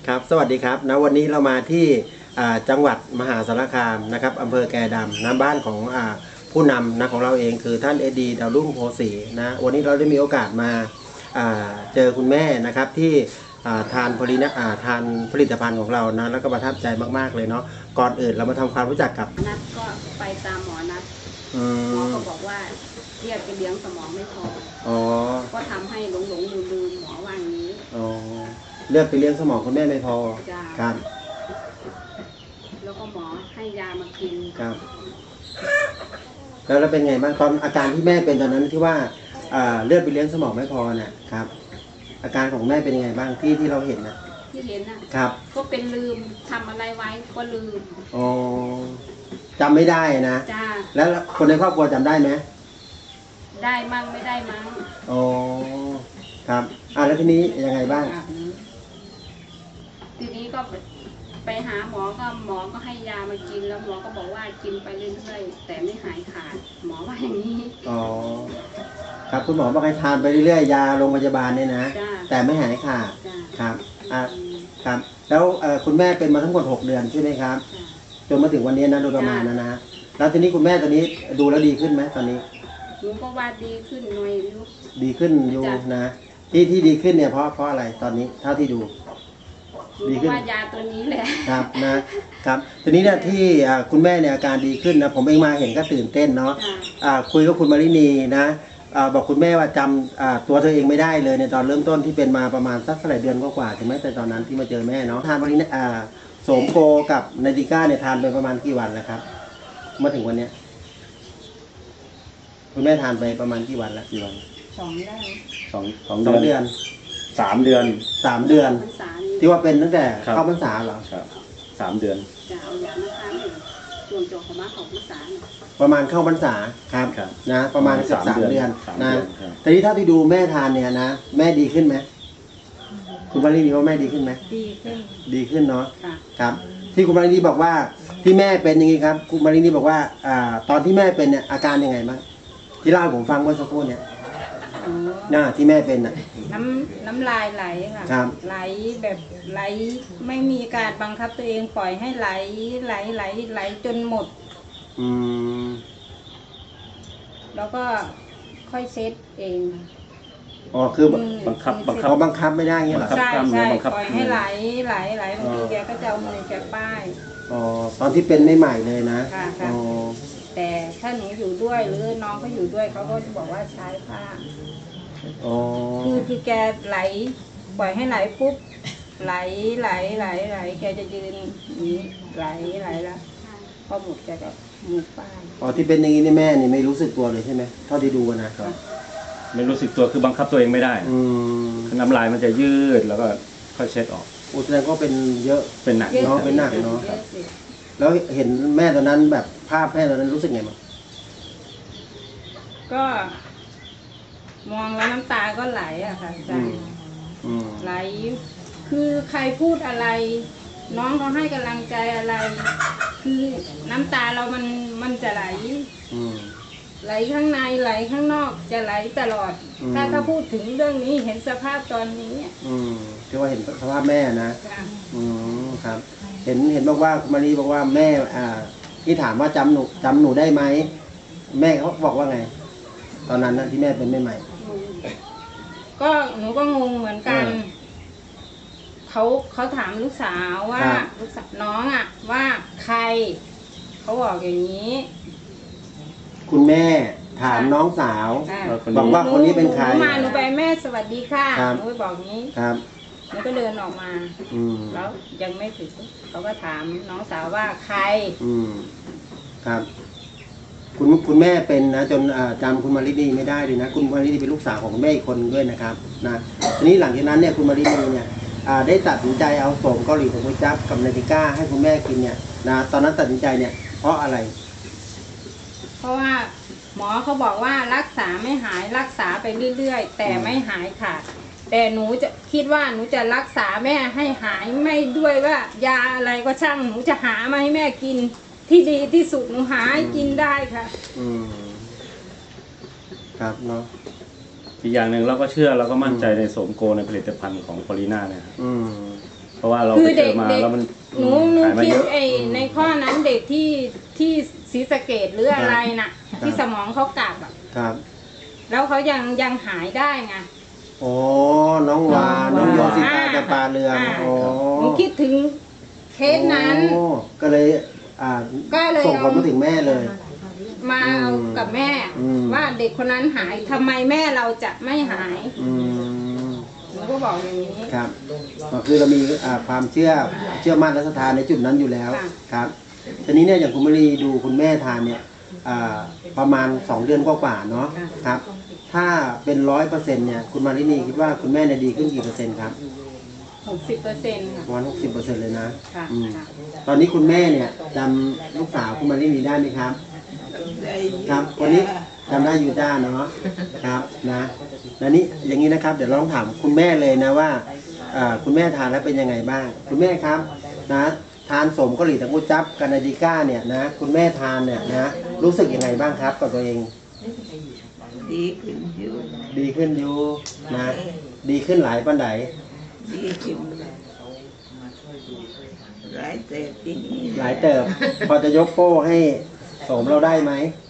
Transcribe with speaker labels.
Speaker 1: ครับสวัสดีครับนะวันนี้เรามาที่จังหวัดมหาสารคามนะครับอำเภอแกดำนะบ้านของผู้นำนะของเราเองคือท่านเอดีดาวรุ่งโพสีนะวันนี้เราได้มีโอกาสมาเจอคุณแม่นะครับที่ทานผลิตภัณฑ์ของเรานะแล้วก็ประทับใจมากๆเลยเนาะก่อนอื่นเรามาทำความรู้จักกับ
Speaker 2: นัดก็ไปตามหมอนัดหมอก็บอกว่าเรียกไปเลี้ยงสมองไม่พอก็ทำให้หลงลืมหมอว่าอย่างนี้
Speaker 1: เลือดไปเลี้ยงสมองคุณแม่ไม่พอครับ
Speaker 2: แล้วก็หมอให้ยามากิน
Speaker 1: ครับแล้วเป็นไงบ้างตอนอาการที่แม่เป็นตอนนั้นที่ว่าเลือดไปเลี้ยงสมองไม่พอน่ะครับอาการของแม่เป็นยังไงบ้างที่เราเห็นนะ
Speaker 2: ที่เห็นนะครับก็เป็นลืมทำอะไรไว้ก็ลืม
Speaker 1: จำไม่ได้นะ
Speaker 2: จ้า
Speaker 1: แล้วคนในครอบครัวจำได้ไหม
Speaker 2: ได้มั่งไม่ได้มั่ง
Speaker 1: ครับแล้วทีนี้ยังไงบ้าง
Speaker 2: ทีนี้ก็ไปหาหมอก็ให้ยามากินแล้วหมอก็บอกว่ากินไปเรื่อยๆแต่ไม่หายขาดหมอว่าอย่างนี้
Speaker 1: ครับคุณหมอบอกให้ทานไปเรื่อยๆยาโรงพยาบาลเนี่ยนะแต่ไม่หายขาดครับครับแล้วคุณแม่เป็นมาทั้งหมด6 เดือนใช่ไหมครับจนมาถึงวันนี้นะโดยประมาณนะแล้วทีนี้คุณแม่ตอนนี้ดูแล้วดีขึ้นไหมตอนนี้
Speaker 2: หนูก็ว่าดีขึ้นหน่อยลูก
Speaker 1: ดีขึ้นอยู่นะที่ดีขึ้นเนี่ยเพราะอะไรตอนนี้เท่าที่ดู
Speaker 2: ดีขึ้นว่ายาตัวนี้แหละ
Speaker 1: ครับนะครับทีนี้เนี่ยที่คุณแม่เนี่ยอาการดีขึ้นนะผมเองมาเห็นก็ตื่นเต้นเนาะคุยกับคุณมารินีนะบอกคุณแม่ว่าจำตัวเธอเองไม่ได้เลยในตอนเริ่มต้นที่เป็นมาประมาณสักเดือนกว่าใช่ไหมแต่ตอนนั้นที่มาเจอแม่เนาะทานวันนี้โสมโกกับไนติก้าเนี่ยทานไปประมาณกี่วันแล้วครับมาถึงวันเนี้ยคุณแม่ทานไปประมาณกี่วันแล้วกี่วัน
Speaker 2: 2 ได้
Speaker 1: 2 เดือน
Speaker 3: 3 เดือน
Speaker 1: 3 เดือนที่ว่าเป็นตั้งแต่เข้าพรรษาเหรอ
Speaker 3: ครับ3 เดือน
Speaker 2: จะเอายามาทานส่วนตัวของมาของพรรษา
Speaker 1: ประมาณเข้าพรรษาครับนะประมาณเกือบ3 เดือนนะแต่ที่เท่าที่ดูแม่ทานเนี่ยนะแม่ดีขึ้นไหมคุณมารินีว่าแม่ดีขึ้นไหมดีขึ้นเนาะครับที่คุณมารินีบอกว่าที่แม่เป็นอย่างนี้ครับคุณมารินีบอกว่าตอนที่แม่เป็นเนี่ยอาการยังไงบ้างที่เล่าให้ผมฟังเมื่อสักครู่เนี่ยที่แม่เป็น
Speaker 4: น้ำลายไหลค่ะไหลแบบไหลไม่มีการบังคับตัวเองปล่อยให้ไหลจนหมดแล้วก็ค่อยเซ็ตเอง
Speaker 1: คือบังคับไม่ได้เงี้ยหรอ
Speaker 4: ใช่ปล่อยให้ไหลบางทีแกก็จะเอามือแกป้าย
Speaker 1: ตอนที่เป็นใหม่ๆเลยนะ
Speaker 4: แต่ถ้าหนูอยู่ด้วยหรือน้องเขาอยู่ด้วยเขาก็บอกว่าใช้ผ้าคือแกไหลปล่อยให้ไหลปุ๊บไหลแกจะยืนนี้ไหลแล้วพอหมดแกก็มือป้าย
Speaker 1: ที่เป็นอย่างนี้นี่แม่นี่ไม่รู้สึกตัวเลยใช่ไหมเท่าที่ดูนะครับ
Speaker 3: ไม่รู้สึกตัวคือบังคับตัวเองไม่ได้น้ำลายมันจะยืดแล้วก็ค่อยเช็ดออก
Speaker 1: แสดงก็เป็นเยอะ
Speaker 3: เป็นหนัก
Speaker 1: เนาะเป็นหนักเนาะแล้วเห็นแม่ตอนนั้นแบบภาพแม่ตอนนั้นรู้สึกไงบ้าง
Speaker 4: ก็มองแล้วน้ำตาก็ไหลอะค่ะใจไหลคือใครพูดอะไรน้องเขาให้กำลังใจอะไรคือน้ำตาเรามันจะไหลข้างในไหลข้างนอกจะไหลตลอดถ้าพูดถึงเรื่องนี้เห็นสภาพตอนนี้
Speaker 1: ที่ว่าเห็นสภาพแม่นะครับเห็นบอกว่ามารีบอกว่าแม่ที่ถามว่าจำหนูได้ไหมแม่เขาบอกว่าไงตอนนั้นนะที่แม่เป็นใหม่
Speaker 4: ก็หนูก็งงเหมือนกันเขาถามลูกสาวว่าลูกสาวน้องว่าใครเขาบอกอย่างนี้
Speaker 1: คุณแม่ถามน้องสาวบอกว่าคนนี้เป็นใคร
Speaker 4: หนูไปแม่สวัสดีค่ะหนูไปบอกนี้หนูก็เดินออกมาแล้วยังไม่ถึงเขาก็ถามน้องสาวว่าใคร
Speaker 1: ครับคุณแม่เป็นนะจนจำคุณมารินีไม่ได้เลยนะคุณมารินีเป็นลูกสาวของคุณแม่อีกคนด้วยนะครับนะทีนี้หลังจากนั้นเนี่ยคุณมารินีเนี่ยได้ตัดสินใจเอาโสมเกาหลีของคุณจับกับไนติก้าให้คุณแม่กินเนี่ยนะตอนนั้นตัดสินใจเนี่ยเพราะอะไร
Speaker 4: เพราะว่าหมอเขาบอกว่ารักษาไม่หายรักษาไปเรื่อยๆแต่ไม่หายค่ะแต่หนูจะคิดว่าหนูจะรักษาแม่ให้หายไม่ด้วยว่ายาอะไรก็ช่างหนูจะหามาให้แม่กินที่ดีที่สุดหนูหาให้กินได้ค่ะ
Speaker 1: ครับเนาะ
Speaker 3: อีกอย่างหนึ่งเราก็เชื่อเราก็มั่นใจในโสมโกในผลิตภัณฑ์ของพอลีน่าเนี่ยเพราะว่าเรา
Speaker 4: คื
Speaker 3: ไป
Speaker 4: อ
Speaker 3: เจ
Speaker 4: เด็
Speaker 3: อก มา
Speaker 4: เด็ก
Speaker 3: แล้วมัน
Speaker 4: หนู
Speaker 3: หายมา
Speaker 4: คิ
Speaker 3: เย
Speaker 4: ด
Speaker 3: อะ
Speaker 4: ในข้อนั้นเด็กที่ศรีสะเกดหรืออะไรน่ะ ที่สมองเขากลับอ่ะ
Speaker 1: ครับ
Speaker 4: แล้วเขายังหายได้ไง
Speaker 1: โอ้น้องวาน้องโยสิตาจะปาเรืองโอ้
Speaker 4: หนูคิดถึงเคสนั้น
Speaker 1: โอ้ก็เลย
Speaker 4: ก็เลย
Speaker 1: ส่งผลมาถึงแม่เลย
Speaker 4: มาเอากับแม่ ว่าเด็กคนนั้นหายทำไมแม่เราจะไม่หาย หนูก็บอกอย่างนี้
Speaker 1: ครับก็คือเรามีความเชื่อมั่นและศรัทธาในจุดนั้นอยู่แล้ว
Speaker 4: ค่ะ
Speaker 1: ครับทีนี้เนี่ยอย่างคุณมรีดูคุณแม่ทานเนี่ยประมาณ2 เดือนกว่าๆเนาะครับ ถ้าเป็น100%เนี่ยคุณมารินีคิดว่าคุณแม่เนี่ยดีขึ้นกี่เปอร์เซ็นต์ครับ
Speaker 4: 60%ค่ะ
Speaker 1: ประมาณ60%เลยนะ
Speaker 4: ค่ะ
Speaker 1: ค่ะตอนนี้คุณแม่เนี่ยจำลูกสาวคุณมารินีได้ไหมครับ ครับวันนี้จำได้อยู่จ้าเนาะครับนะแล้วนี้อย่างนี้นะครับเดี๋ยวลองถามคุณแม่เลยนะว่าคุณแม่ทานแล้วเป็นยังไงบ้าง คุณแม่ครับนะทานสมเกาหลีตะกุจับกานาดิก้าเนี่ยนะคุณแม่ทานเนี่ยนะรู้สึกยังไงบ้างครับกับตัวเอง
Speaker 5: ดีขึ้นอยู่
Speaker 1: ดีขึ้นอยู่นะดีขึ้นหลายปันได
Speaker 5: ดีขึ้นหลายแต่ปีนี้
Speaker 1: หลายเติบ พอจะยกโป้ให้สมเราได้ไหม
Speaker 5: ไ